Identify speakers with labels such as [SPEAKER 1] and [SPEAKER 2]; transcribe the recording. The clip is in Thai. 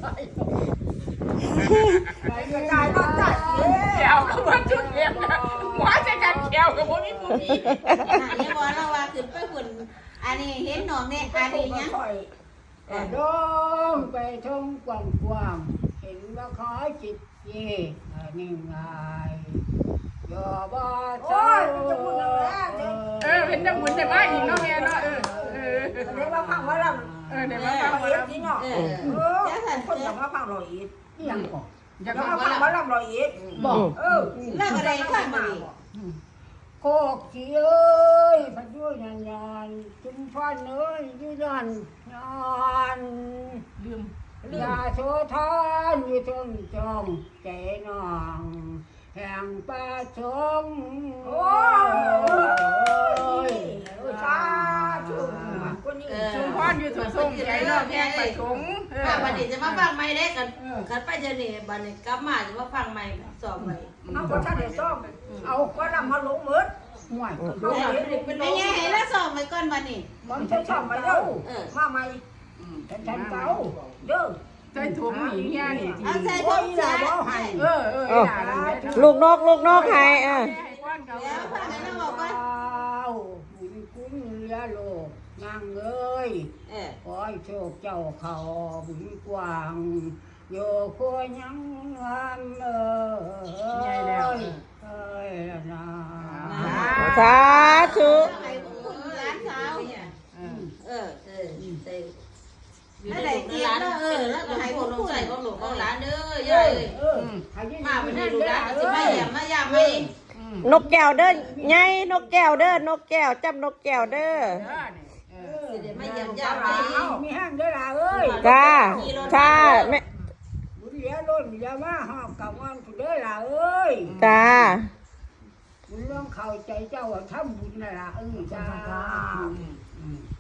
[SPEAKER 1] ไปกระจายนอกจากแก้วก็มาจุดเทียนนะหัวใจกันแก้วกับพวกนี้พวกนี้
[SPEAKER 2] เนี่ยบอกเราว่าขึ้นไปหุ่นอันนี้เห็นน้องเนี่ยอันนี้เนี่ย
[SPEAKER 3] โดมไปท่องกว้างๆเห็นว่าขอจิตเย่นี่ไงอย่าบ้าเจ้า
[SPEAKER 1] เห็นจังบุญแต่ว่าอีกเนาะแม่เนาะ
[SPEAKER 4] เดี๋ยวมาฟังว่าเรา
[SPEAKER 1] เดี๋ยวมาฟังว่าเรา
[SPEAKER 4] จริงเหรอคนอยากมาฟังเราอีก
[SPEAKER 3] ยังบอก
[SPEAKER 4] อยากมาฟังว่าเราอีก
[SPEAKER 3] บอก
[SPEAKER 2] เรื่องอะไรฟังมาดิ
[SPEAKER 3] โคกขี้เอ้ยพัดด้วยนานจุ่มฟันเอ้ยยืดยันนาน
[SPEAKER 1] ลืม
[SPEAKER 3] ยาโสธรอยู่ตรงจงใจน้องแห่งป่าชง
[SPEAKER 4] โอ้ยสาธุคนนี้
[SPEAKER 1] ชุมพรอยู่ถูกส่งใจเนาะแพงไปถุง
[SPEAKER 2] วันนี้จะมาฟังไม่ได้กันไปเจนี่บันนี้กลับมาจะมาฟังไม่สอบไป
[SPEAKER 4] เอาคนท่านได้ซ่อมเอาก็นำมาลงมือ
[SPEAKER 3] ห่วย
[SPEAKER 2] เป็นไงให้แล้วสอบไปก่อนบันนี้
[SPEAKER 4] มันใช้ซ่อมไปเด้อมาใหม่
[SPEAKER 3] ฉันเก่า
[SPEAKER 4] เด้อ
[SPEAKER 1] ใส่ถุงหญิงย่านี่
[SPEAKER 2] เอาใส่ถุงจ้า
[SPEAKER 5] ลูกนกให้
[SPEAKER 2] แล้วฟังให้น้องบอกว่า
[SPEAKER 3] บุญคุณเรือโลกนางเอ้ยขอให้โชคเจ้าเขาบุญกว้างโยโคยังงามเอ้ยนะ
[SPEAKER 5] สาธุ
[SPEAKER 2] ร้านสาวอะไรร้านแล้วก็ให้คนลงใส่ของหลวงของร้านเด้อเย้ยมาเป็นให้ดูร้านจะไม่แย่มายามไม่
[SPEAKER 5] นกแก้วเด้อไงนกแก้วเด้อนกแก้วจำนกแก้วเด้อ
[SPEAKER 2] ไม่ยำยำไป
[SPEAKER 3] มีห้างได้ละเอ้ย
[SPEAKER 5] จ้าจ้าแม่
[SPEAKER 3] บุญเหลือล้นอย่ามาหอบกับวันผู้เด้อละเอ้ย
[SPEAKER 5] จ้า
[SPEAKER 3] บุญเรื่องเข้าใจเจ้าทำบุญน่ะละจ้า